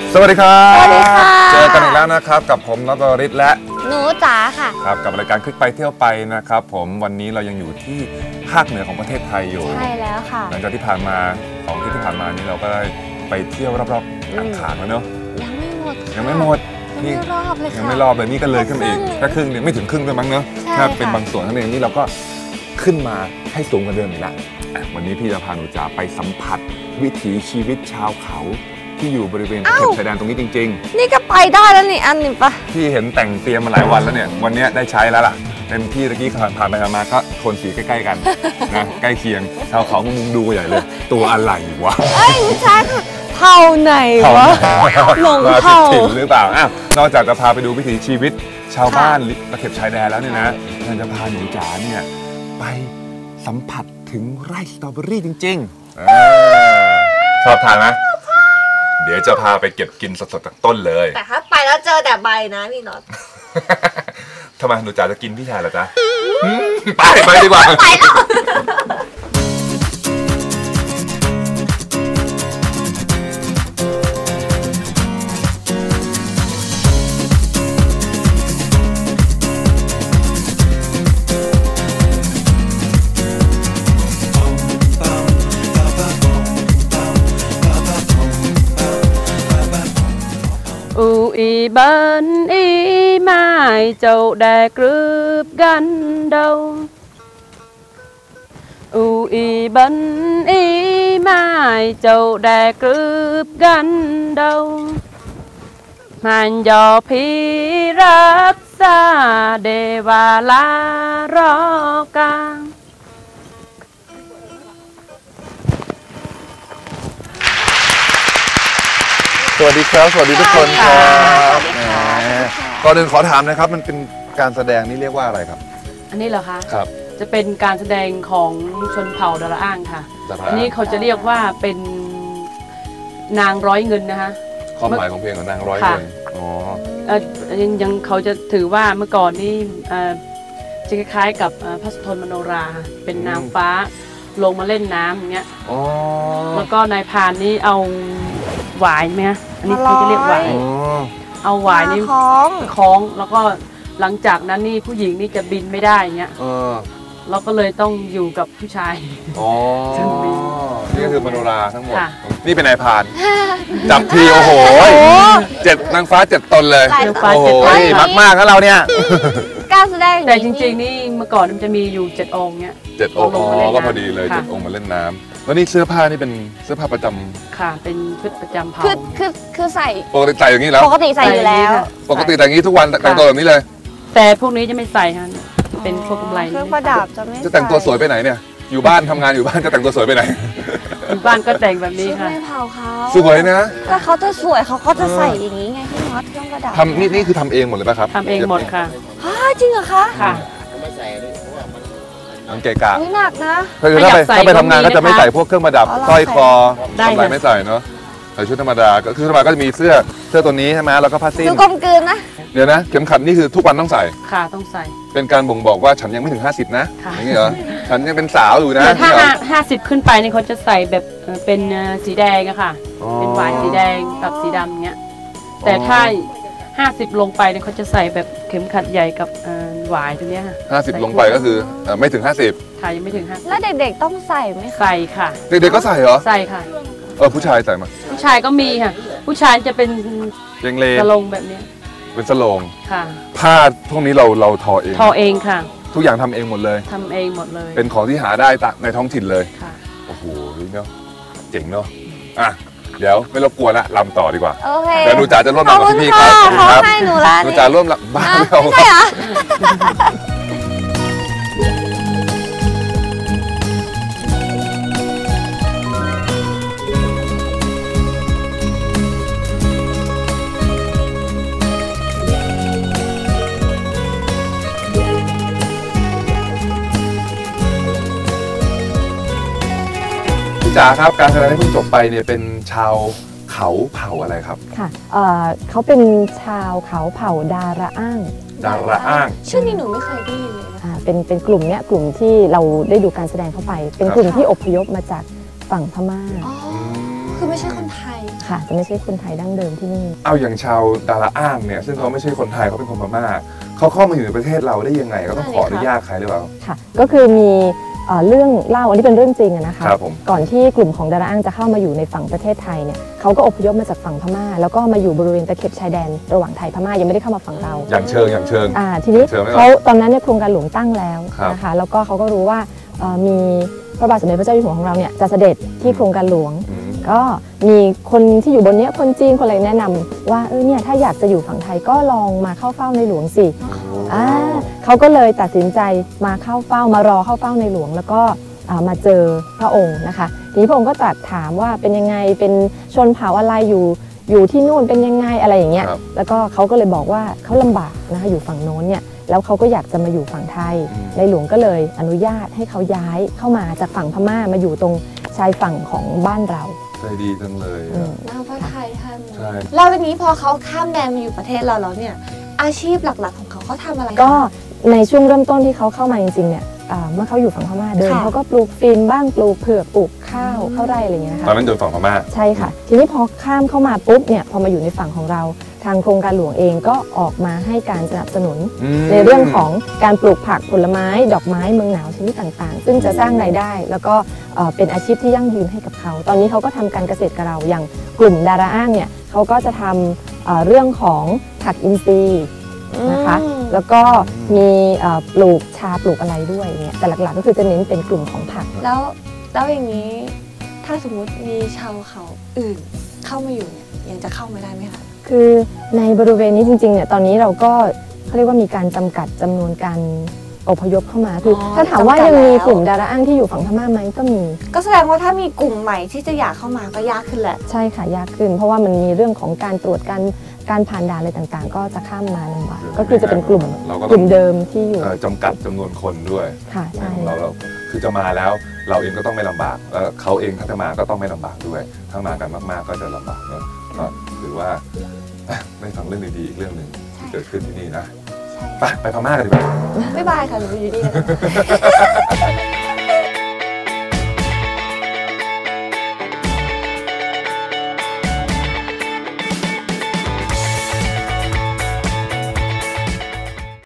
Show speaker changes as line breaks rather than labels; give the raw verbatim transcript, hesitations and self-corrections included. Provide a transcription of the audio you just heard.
สวัสดีครับ
สวัสดีค่ะ
เจอกันอีกแล้วนะครับกับผมน็อต วรริศและ
หนูจ๋าค่ะ
ครับกับรายการคลิกไปเที่ยวไปนะครับผมวันนี้เรายังอยู่ที่ภาคเหนือของประเทศไทยอยู่
ใช่แล้วค่ะ
หลังจากที่ผ่านมาสองที่ที่ผ่านมานี้เราก็ได้ไปเที่ยวรอบๆอ่างขางแล้วเนาะ
ยังไม่หมด
ยังไม่หมด
นี่รอบเลยค่ะ
ยังไม่รอบเลยนี่ก็เลยขึ้นมาอีกแค่ครึ่งนึงไม่ถึงครึ่งเลยมั้งเนาะถ้าเป็นบางส่วนเท่านั้นเองนี่เราก็ขึ้นมาให้สูงกว่าเดิมอีกแล้ววันนี้พี่จะพาหนูจ๋าไปสัมผัสวิถีชีวิตชาวเขาที่อยู่บริเวณตะเข็บชายแดนตรงนี้จริง
ๆนี่ก็ไปได้แล้วนี่อันนี้ปะ
พี่เห็นแต่งเตรียมมาหลายวันแล้วเนี่ยวันนี้ได้ใช้แล้วล่ะเต็มที่ตะกี้ผ่านไปมาก็โทนสีใกล้ๆกันนะใกล้เคียงชาวเขามุงดูใหญ่เลยตัวอะไรวะ
เอ้ยไม่ใช่ค่ะเผ่าไหนวะหลงเผ่า
ถิ่นหรือเปล่าอ้าวนอกจากจะพาไปดูวิถีชีวิตชาวบ้านตะเข็บชายแดนแล้วเนี่ยนะเราจะพาหนูจ๋าเนี่ยไปสัมผัสถึงไร่สตรอเบอรี่จริงๆชอบทานไหมเดี๋ยวจะพาไปเก็บกินสดๆจากต้นเลย
แต่ถ้าไปแล้วเจอแต่ใบนะพี่น็อต
ทำไมหนูจ๋าจะกินพี่ชายเหรอจ๊ะไปไปดีกว่า
ไปแล้ว
Ui bên y mai châu đè cướp gan đâu Ui bên y mai châu đè cướp gan đâu Màn dò phi rất xa đề và la ro ca
สวัสดีครับสวัสดีทุกคนครับก่อนอื่นขอถามนะครับมันเป็นการแสดงนี่เรียกว่าอะไรครับ
อันนี้เหรอคะ
ครับ
จะเป็นการแสดงของชนเผ่าดาราอ้างค่ะอันนี้เขาจะเรียกว่าเป็นนางร้อยเงินนะคะ
ความหมายของเพลงของนางร้อยเงินอ๋อ
ยังยังเขาจะถือว่าเมื่อก่อนนี่จะคล้ายๆกับพระสุทนมโนราเป็นนางฟ้าลงมาเล่นน้ำอย่างเงี้ยแล้วก็นายพรานนี่เอาหวายไหมฮะอันนี้เขาจะเรียกหวายเอาหวายนี่คล้องคล้องแล้วก็หลังจากนั้นนี่ผู้หญิงนี่จะบินไม่ได้อย่างเงี้ยเราก็เลยต้องอยู่กับผู้ชาย
อ๋อนี่ก็คือมโนราทั้งหมดนี่เป็นนายพรานจับทีโอ้โหเจ็ดนางฟ้าเจ็ดตนเลยโอ้โหมากมากครับเราเนี่ย
การแสดง
แต่จริงๆนี่เมื่อก่อนมันจะมีอยู่เจ็ดองค์เนี้ย
เจ็ดองค์ก็พอดีเลยเจ็ดองค์มาเล่นน้ำแล้วนี่เสื้อผ้านี่เป็นเสื้อผ้าประจำ
ค่ะเป็นชุดประจำเผ่า
คือคือคือใส่
ปกติใส่อย่างนี้แล้ว
ปกติใส่อยู่แล้ว
ปกติแต่งนี้ทุกวันแต่งตัวแบบนี้เลย
แต่พวกนี้จะไม่ใส่ฮะเป็นพวกกำไร
เครื่องประดับจะไม่
จะแต่งตัวสวยไปไหนเนี่ยอยู่บ้านทำงานอยู่บ้านจะแต่งตัวสวยไปไหน
อยู่บ้านก็แต่งแบบนี้ค่ะ
ชุดเผ่าเขา
สวยนะ
ถ้าเขาจะสวยเขาก็จะใส่อย่างนี้ไงพี่น็อตเครื่องประดับ
ทำนี่นี่คือทำเองหมดเลยป่ะครับ
ทำเองหมดค่ะ
ฮ่าจริงเหรอคะ
ค่ะ
มันเกะกะ
หนักนะ
คือถ้าไปถ้าไปทำงานก็จะไม่ใส่พวกเครื่องประดับสร้อยคอกำไรไม่ใส่เนาะใส่ชุดธรรมดาก็คือธรรมดาก็จะมีเสื้อเสื้อตัวนี้ใช่ไหมแล้วก็ผ้าสิ้น
ดูกลมกลืนนะ
เดี๋ยวนะเข็มขัดนี่คือทุกวันต้องใส่
ค่ะต้องใส่
เป็นการบ่งบอกว่าฉันยังไม่ถึงห้าสิบนะอย่างนี้เหรอฉันยังเป็นสาวอยู่นะ
ถ้าห้าสิบขึ้นไปนี่เขาจะใส่แบบเป็นสีแดงอะค่ะเป็นหวายสีแดงกับสีดำเงี้ยแต่ถ้าห้าสิบลงไปเนี่ยเขาจะใส่แบบเข็มขัดใหญ่กับหวายตรงนี้ค่ะ
ห้าสิบลงไปก็คือไม่ถึงห้าสิบ
ค่ะยังไม่ถึงห้าสิบ
แล้วเด็กๆต้องใส่ไหม
ใส่ค่ะ
เด็กๆก็ใส่เหรอ
ใส่ค่ะ
เออผู้ชายใส่มา
ผู้ชายก็มีค่ะผู้ชายจะเป็น
เยงเล
สลงแบบนี้
เป็นสลง
ค่ะ
ผ้าพวกนี้เราเราทอเอง
ทอเองค่ะ
ทุกอย่างทำเองหมดเลย
ทำเองหมดเลย
เป็นของที่หาได้ในท้องถิ่นเลย
ค่ะ
โอ้โหเนาะเจ๋งเนาะอ่ะเดี๋ยวไม่รบกวนละลำต่อดีกว่า
โอเค
เดี๋ยวหนูจ๋าจะร่วมลำกับพี่ครับ
เขาให้หนูละ
หนูจ๋าร่วมลำบ้าไม่เอา
ใช่เหรอ
จ๋าครับการแสดงที่เพิ่งจบไปเนี่ยเป็นชาวเขาเผ่าอะไรครับ
ค่ะเอ่อเขาเป็นชาวเขาเผ่าดาราอ้าง
ดาราอ้าง
ชื่อนี้หนูไม่เคยได้ยินเลย
อ่าเป็นเป็นกลุ่มเนี้ยกลุ่มที่เราได้ดูการแสดงเข้าไปเป็นกลุ่มที่อพยพมาจากฝั่งพม่า
อ๋อคือไม่ใช่คนไทย
ค่ะ จะไม่ใช่คนไทยดั้งเดิมที่นี่
เอาอย่างชาวดาราอ้างเนี่ยซึ่งเขาไม่ใช่คนไทยเขาเป็นคนพม่าเขาเข้ามาอยู่ในประเทศเราได้ยังไงเขาต้องขออนุญาตใครหรือเปล่า
ค่ะ ก็คือมีเอ่อเรื่องเล่าอันนี้เป็นเรื่องจริงอะนะคะ
ครับผม
ก่อนที่กลุ่มของดาราอ้างจะเข้ามาอยู่ในฝั่งประเทศไทยเนี่ยเขาก็อพยพมาจากฝั่งพม่า แล้วก็มาอยู่บริเวณตะเข็บชายแดนระหว่างไทยพม่ายังไม่ได้เข้ามาฝั่งเรา
อย่างเชิงอย่างเชิง
อ่าทีนี้
เชิญไว้ก่อน
เขาตอนนั้นเนี่ยโครงการหลวงตั้งแล้ว
ครับ
นะคะแล้วก็เขาก็รู้ว่าเอ่อมีพระบาทสมเด็จพระเจ้าอยู่หัวของเราเนี่ยจะเสด็จที่โครงการหลวง
อืม
ก็มีคนที่อยู่บนเนี้ยคนจีนคนอะไรแนะนำว่าเออเนี่ยถ้าอยากจะอยู่ฝั่งไทยก็ลองมาเข้าเฝ้าในหลวงสิอ่าเขาก็เลยตัดสินใจมาเข้าเฝ้ามารอเข้าเฝ้าในหลวง แล้วก็อ่ามาเจอพระองค์นะคะทีนี้พระองค์ก็ตรัสถามว่าเป็นยังไงเป็นชนเผ่าอะไรอยู่อยู่ที่นู่นเป็นยังไงอะไรอย่างเงี้ย
ครับ
แล้วก็เขาก็เลยบอกว่าเขาลำบากนะคะอยู่ฝั่งโน้นเนี่ยแล้วเขาก็อยากจะมาอยู่ฝั่งไทย
อืม
ในหลวงก็เลยอนุญาตให้เขาย้ายเข้ามาจากฝั่งพม่ามาอยู่ตรงชายฝั่งของบ้านเรา
ใจดีจังเลย
อื
อะ
ม
นางฟ้าไทยท่าน
ใช่
แล้วทีนี้พอเขาข้ามแดนมาอยู่ประเทศเราแล้วเนี่ยอาชีพหลักๆของเขาเขาทำอะไร
ก็ในช่วงเริ่มต้นที่เขาเข้ามาจริงๆเนี่ยอ่าเมื่อเขาอยู่ฝั่งพม่าเดิม
ค่ะ
เขาก็ปลูกฟินบ้างปลูกเผือกปลูกข้าวข้าวไร่อะไรอย่างเงี้ยนะ
ตอน
คะ
นั้นโดนฝั่งพม่า
ใช่ค่ะ ทีนี้พอข้ามเข้ามาปุ๊บเนี่ยพอมาอยู่ในฝั่งของเรา ทางโครงการหลวงเองก็ออกมาให้การสนับสนุน
อืม
ในเรื่องของการปลูกผักผลไม้ดอกไม้เมืองหนาวชนิดต่างๆ ซึ่งจะสร้างรายได้ แล้วก็เอ่อเป็นอาชีพที่ยั่งยืนให้กับเขา ตอนนี้เขาก็ทำการเกษตรกับเราอย่างกลุ่มดาราอ้างเนี่ยเขาก็จะทำเอ่อเรื่องของผักอินทรีย์นะคะ
อืม
แล้วก็มีเอ่อปลูกชาปลูกอะไรด้วยเนี่ยแต่หลักๆก็คือจะเน้นเป็นกลุ่มของผัก
แล้วแล้วอย่างนี้ถ้าสมมุติมีชาวเขาอื่นเข้ามาอยู่เนี่ยยังจะเข้ามาได้ไหมคะ
คือในบริเวณนี้จริงๆเนี่ยตอนนี้เราก็เขาเรียกว่ามีการจำกัดจำนวนการอพยพเข้ามาคืออ
อ
ถ้าถามว่า
จำกัด
ยังมี
แล้ว
กลุ่มดาราอ้างที่อยู่ฝั่งพม่าไหมก็มี
ก็แสดงว่าถ้ามีกลุ่มใหม่ที่จะอยากเข้ามาก็ยากขึ้นแหละ
ใช่ค่ะยากขึ้น เพราะว่ามันมีเรื่องของการตรวจการการผ่านด่านอะไรต่างๆ ก็จะข้ามมาลำบากก็คือจะเป็นกลุ่ม
เราก็
ก
ต้อ
ลุ่
ง
มเดิมที่อยู่
เอ่อจำกัดจำนวนคนด้วย
ค่ะใช่
เราเราคือจะมาแล้วเราเองก็ต้องไม่ลำบากแล้วเขาเองถ้าจะมาก็ต้องไม่ลำบากด้วย ถ้ามากันมากๆก็จะลำบากเนอะก็ถือว่าอ่ะได้ฟังเรื่องดีๆอีกเรื่องหนึ่งที่เกิดขึ้นที่นี่นะไปไปพม่ากันดีกว่า
บ๊ายบายค่ะหนูอยู่นี่นะคะ